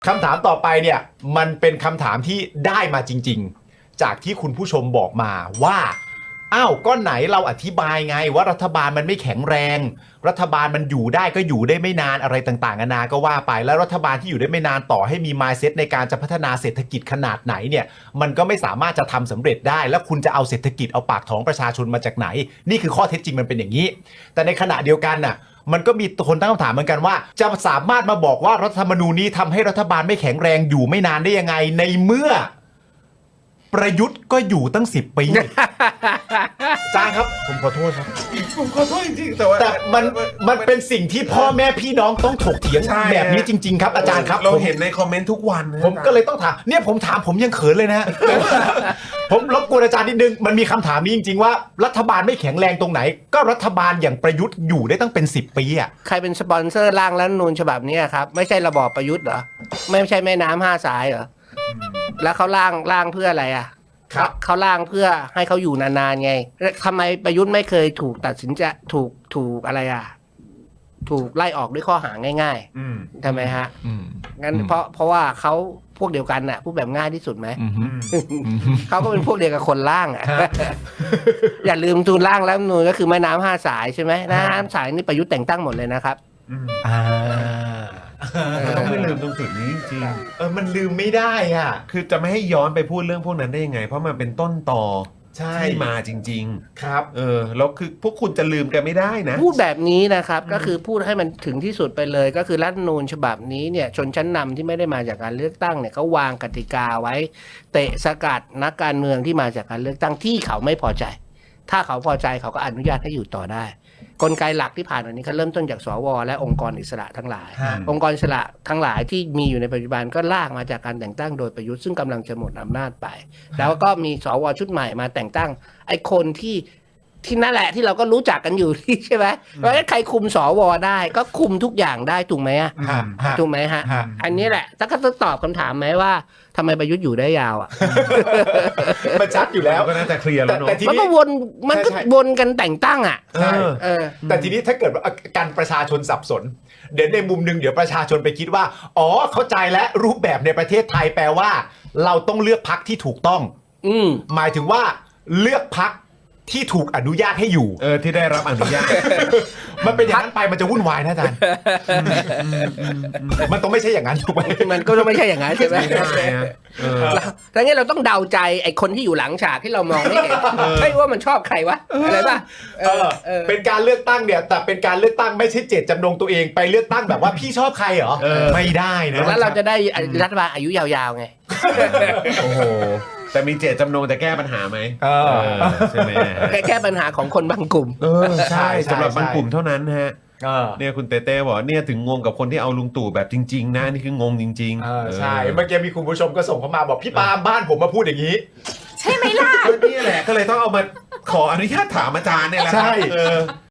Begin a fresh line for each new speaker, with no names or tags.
คำถามต่อไปเนี่ยมันเป็นคำถามที่ได้มาจริงๆจากที่คุณผู้ชมบอกมาว่าอ้าวก็ไหนเราอธิบายไงว่ารัฐบาลมันไม่แข็งแรงรัฐบาลมันอยู่ได้ก็อยู่ได้ไม่นานอะไรต่างๆนานาก็ว่าไปแล้วรัฐบาลที่อยู่ได้ไม่นานต่อให้มี mindset ในการจะพัฒนาเศรษฐกิจขนาดไหนเนี่ยมันก็ไม่สามารถจะทำสำเร็จได้แล้วคุณจะเอาเศรษฐกิจเอาปากท้องประชาชนมาจากไหนนี่คือข้อเท็จจริงมันเป็นอย่างนี้แต่ในขณะเดียวกันน่ะมันก็มีคนตั้งคำถามเหมือนกันว่าจะสามารถมาบอกว่ารัฐธรรมนูญนี้ทำให้รัฐบาลไม่แข็งแรงอยู่ไม่นานได้ยังไงในเมื่อประยุทธ์ก็อยู่ตั้ง10 ปีจ้าครับผมขอโทษครับ
ผมขอโทษจริงๆแต่
มันเป็นสิ่งที่พ่อแม่พี่น้องต้องถกเถียงแบบนี้จริงๆครับอาจารย์ครับ
เราเห็นในคอมเมนต์ทุกวันนะ
ผมก็เลยต้องถามเนี่ยผมถามผมยังเขินเลยนะ ผมรบกวนอาจารย์นิดนึงมันมีคำถามนี้จริงๆว่ารัฐบาลไม่แข็งแรงตรงไหนก็รัฐบาลอย่างประยุทธ์อยู่ได้ตั้งเป็น10 ปีอ่ะ
ใครเป็นสปอนเซอร์ร่างรัฐธรรมนูญฉบับนี้ครับไม่ใช่ระบอบประยุทธ์เหรอไม่ใช่แม่น้ำ5 สายเหรอแล้วเขาร่างเพื่ออะไรอ่ะเขาร่างเพื่อให้เขาอยู่นานๆไงทำไมประยุทธ์ไม่เคยถูกตัดสินจะถูกอะไรอ่ะถูกไล่ออกด้วยข้อหาง่ายๆทำไมฮะงั้นเพราะว่าเขาพวกเดียวกันน่ะพูดแบบง่ายที่สุดไหมเขาก็เป็นพวกเดียวกับคนร่างอ่ะ อย่าลืมตูนร่างแล้วนูนก็คือแม่น้ำ5 สายใช่ไหมน้ำสายนี่ประยุทธ์แต่งตั้งหมดเลยนะครับ
ต้องไม่ลืมตรงจุดนี้จริง
มันลืมไม่ได้อ่ะ
คือจะไม่ให้ย้อนไปพูดเรื่องพวกนั้นได้ยังไงเพราะมันเป็นต้นตอที่มาจริง
ๆครับ
แล้วคือพวกคุณจะลืมกันไม่ได้นะ
พูดแบบนี้นะครับก็คือพูดให้มันถึงที่สุดไปเลยก็คือรัฐธรรมนูญฉบับนี้เนี่ยชนชั้นนำที่ไม่ได้มาจากการเลือกตั้งเนี่ยเขาวางกติกาไว้เตะสกัดนักการเมืองที่มาจากการเลือกตั้งที่เขาไม่พอใจถ้าเขาพอใจเขาก็อนุญาตให้อยู่ต่อได้กลไกหลักที่ผ่านมานี้เขาเริ่มต้นจากสวและองค์กรอิสระทั้งหลายองค์กรอิสระทั้งหลายที่มีอยู่ในปัจจุบันก็ลากมาจากการแต่งตั้งโดยประยุทธ์ซึ่งกำลังจะหมดอำนาจไปแล้วก็มีสวชุดใหม่มาแต่งตั้งไอ้คนที่นั่นแหละที่เราก็รู้จักกันอยู่ที่ใช่ไหมว่าใครคุมสวได้ก็คุมทุกอย่างได้ถูกไหมอ่ะถูกไหมฮะอันนี้แหละถ้าก็ต้องตอบคำถามไหมว่าทำไมประยุทธ์อยู่ได้ยาวอ่ะ
มันชัดอยู่แล้ว
ก็น่าจะเคลียร์แล้วเนาะ
มันก็วนกันแต่งตั้งอ่ะ
ใช่แต่ทีนี้ถ้าเกิดว่าการประชาชนสับสนเดี๋ยวในมุมนึงเดี๋ยวประชาชนไปคิดว่าอ๋อเข้าใจแล้วรูปแบบในประเทศไทยแปลว่าเราต้องเลือกพรรคที่ถูกต้องหมายถึงว่าเลือกพรรคที่ถูกอนุญาตให้อยู่
ที่ได้รับอนุญาต
มันเป็นอย่างนั้นไปมันจะวุ่นวายนะอาจารย์มันต้องไม่ใช่อย่างนั้นถูกไหม
มันก็ต้องไม่ใช่อย่างนั้นใช่ไหมแล้วงั้นเราต้องเดาใจไอ้คนที่อยู่หลังฉากที่เรามองไม่เห็นไม่ว่ามันชอบใครวะอะไรป่ะ
เป็นการเลือกตั้งเนี่ยแต่เป็นการเลือกตั้งไม่ใช่เจตจำนงตัวเองไปเลือกตั้งแบบว่าพี่ชอบใครเหรอไม่ได้นะ
แล้วเราจะได้รัฐบาลอายุยาวๆไง
โอ้โหแต่มีเจตจำนงจะแก้ปัญหาไหมใช่ไหม
แก้ปัญหาของคนบางกลุ่ม
ใช่สำหรับบางกลุ่มเท่านั้นฮะเนี่ยคุณเต้เต้บอกเนี่ยถึงงงกับคนที่เอาลุงตู่แบบจริงๆนะนี่คืองงจริง
ๆใช่เมื่อกี้มีคุณผู้ชมก็ส่งเข้ามาบอกพี่ปาล์มบ้านผมมาพูดอย่างนี้
ใช่ไหมล่ะ
นี่แหละก็เลยต้องเอามาขออนุญาตถามอาจารย์เนี่ยแหละ
ใช่